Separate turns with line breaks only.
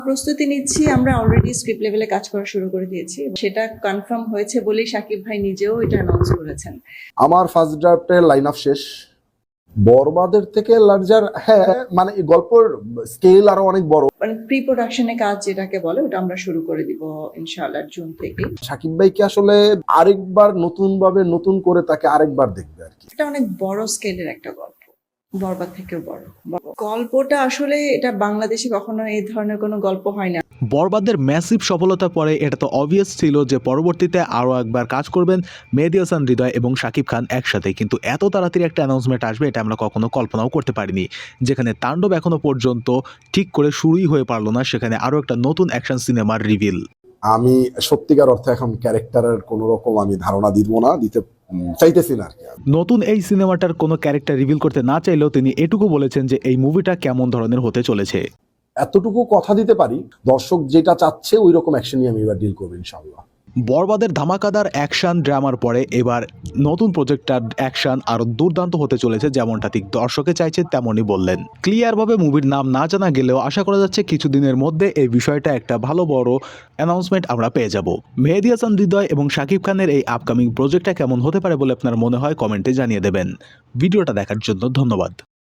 প্রস্তুতি নিচ্ছি। আমরা অলরেডি স্ক্রিপ্ট লেভেলে কাজ করা শুরু করে দিয়েছি। সেটা কনফার্ম হয়েছে বলেই শাকিব ভাই নিজেও এটা অ্যানাউন্স করেছেন।
আমার ফার্স্ট ড্রাফটের লাইন আপ শেষ। বরবাদের থেকে লার্জার, হ্যাঁ, মানে এই গল্পের স্কেল আরো অনেক বড়।
মানে প্রি প্রোডাকশনে কাজ যেটাকে বলে ওটা আমরা শুরু করে দিব ইনশাআল্লাহ জুন থেকে।
শাকিব ভাইকে আসলে আরেকবার নতুন করে তাকে আরেকবার দেখবে আর কি।
এটা অনেক বড় স্কেলের একটা গল্প, বরবাদ থেকেও বড় গল্পটা। আসলে এটা বাংলাদেশে কখনো এই ধরনের কোনো গল্প হয় না।
বরবাদের ম্যাসিভ সফলতার পরে এটা তো অবভিয়াস ছিল যে পরবর্তীতে আরও একবার কাজ করবেন মেহেদী হাসান হৃদয় এবং শাকিব খান একসাথে, কিন্তু এত তাড়াতাড়ি একটা অ্যানাউন্সমেন্ট আসবে এটা আমরা কখনো কল্পনাও করতে পারিনি। যেখানে তাণ্ডব এখনো পর্যন্ত ঠিক করে শুরুই হয়ে পারলো না, সেখানে আরও একটা নতুন অ্যাকশন সিনেমার রিভিল।
আমি সত্যিকার অর্থে এখন ক্যারেক্টারের কোনো রকম আমি ধারণা দিতে চাইতেছি না আর কি।
নতুন এই সিনেমাটার কোনো ক্যারেক্টার রিভিল করতে না চাইলেও তিনি এটুকু বলেছেন যে এই মুভিটা কেমন ধরনের হতে চলেছে।
এতটুকু কথা দিতে পারি, দর্শক যেটা চাচ্ছে ওই রকম অ্যাকশনই আমি এবার ডিল করবো ইনশাআল্লাহ।
বরবাদের ধামাকাদার অ্যাকশন ড্রামার পরে এবার নতুন প্রজেক্টটার অ্যাকশন আরও দুর্দান্ত হতে চলেছে, যেমনটা ঠিক দর্শকে চাইছে তেমনই বললেন। ক্লিয়ারভাবে মুভির নাম না জানা গেলেও আশা করা যাচ্ছে কিছুদিনের মধ্যে এই বিষয়টা একটা ভালো বড় অ্যানাউন্সমেন্ট আমরা পেয়ে যাব। মেহেদী হাসান হৃদয় এবং শাকিব খানের এই আপকামিং প্রজেক্টটা কেমন হতে পারে বলে আপনার মনে হয় কমেন্টে জানিয়ে দেবেন। ভিডিওটা দেখার জন্য ধন্যবাদ।